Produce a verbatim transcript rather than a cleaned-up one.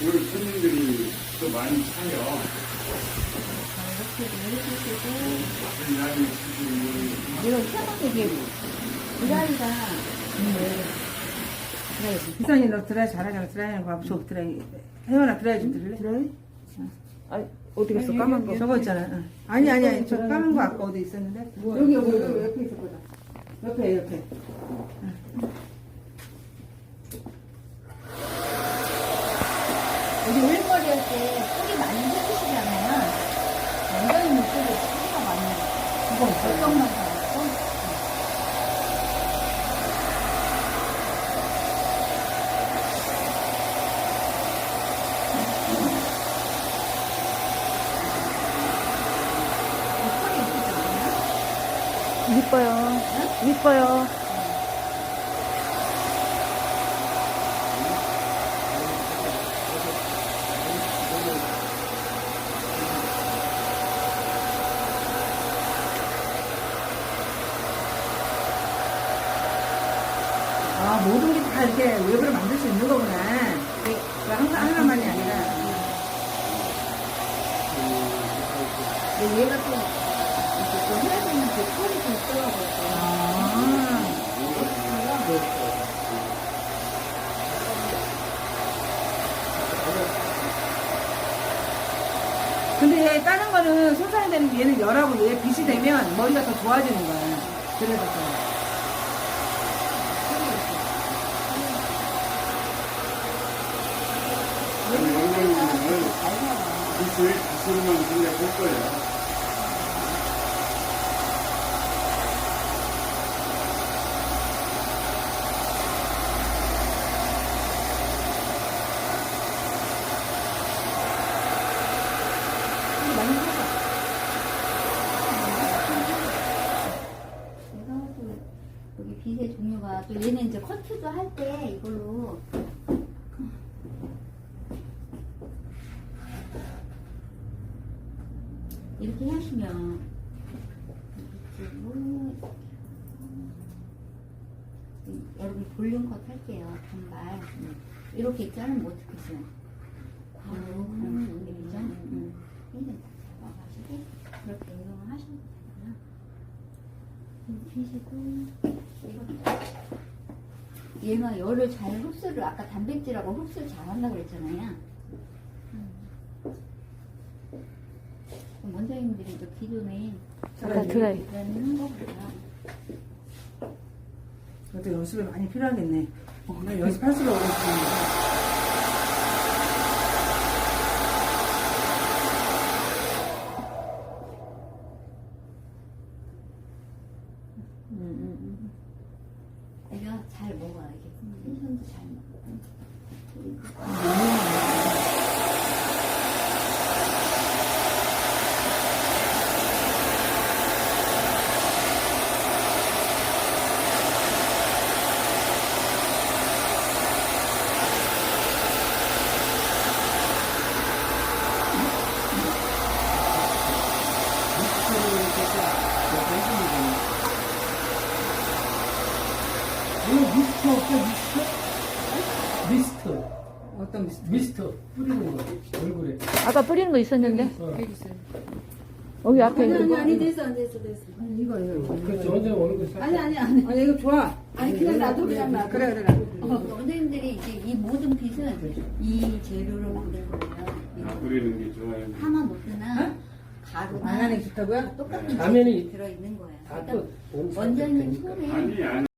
오늘 손님들이 또 많이 차요. 이렇게 해주시고 많이 치시는 이거 태국 이게 드라이가 기선이 너 드라이 잘하잖아. 드라이 하는 거 하고 저 드라이. 혜원아 드라이 좀 들을래? 드라이? 아니, 어디 갔어? 까만 거. 저거 있잖아. 응. 아니 아니 아니 저 까만 거 아까 어디 있었는데? 여기 여기 여기 옆에 있었거든. 옆에 옆에. 우리 올머리 할 때 뿌리 많이 해주시잖아요. 원장님 목소리 뿌리가 많이 그거 있어요. 결정만 달았고 이뻐요. 이뻐요. 아 모든 게 다 이렇게 웹으로 만들 수 있는 거구나. 그 하나 하나만이 아니라. 근데 얘가 또 이렇게 또 해야 되는 그 털이 좀 있더라고요. 아. 근데 다른 거는 손상이 되는 게 얘는 열하고 얘 빛이 되면 머리가 더 좋아지는 거야. 그래서 또. 원장님은 기술, 기술만 생각할 거예요. 얘가 또 여기 빗의 종류가 또 얘는 이제 커트도 할 때 이걸로 이렇게 하시면 이쪽으로 여러분 볼륨 컷 할게요. 단발 이렇게 자르면 어떻게 써요? 바로 그런 느낌이죠? 음. 이렇게 잡아가지고 그렇게 운동을 하시면 되고요. 피시고 얘가 열을 잘 흡수를 아까 단백질하고 흡수를 잘 한다고 그랬잖아요. 원장님들이 또 기존에 아까 드라이. 하는 거보다 그것도 연습이 많이 필요하겠네. 어, 나 연습할수록 오고 싶은데. 내가 잘 먹어야 이게 텐션도 잘 먹고 이거 미스트 없어, 미스트? 미스트. 어떤 미스터? 미스트. 뿌리는 거, 얼굴에. 아까 뿌리는 거 있었는데? 어. 여기 앞에 아니 있는 아니 아니 됐어 안 됐어 됐어 이거 이거. 그렇지, 완전 얼굴 살. 아니 아니 아니 아니 이거 좋아. 아니 그냥 놔둬 그냥 놔둬 그래 그래. 원장님들이 이제 이 모든 빗은 이 재료로 만든 거예요. 아, 뿌리는 게 좋아요. 파마 노트나 가루나 안 하는 게 좋다고요? 똑같은 라면이 재료가 들어있는 거예요. 다 그러니까 또. 원장님 손에 아니, 아니.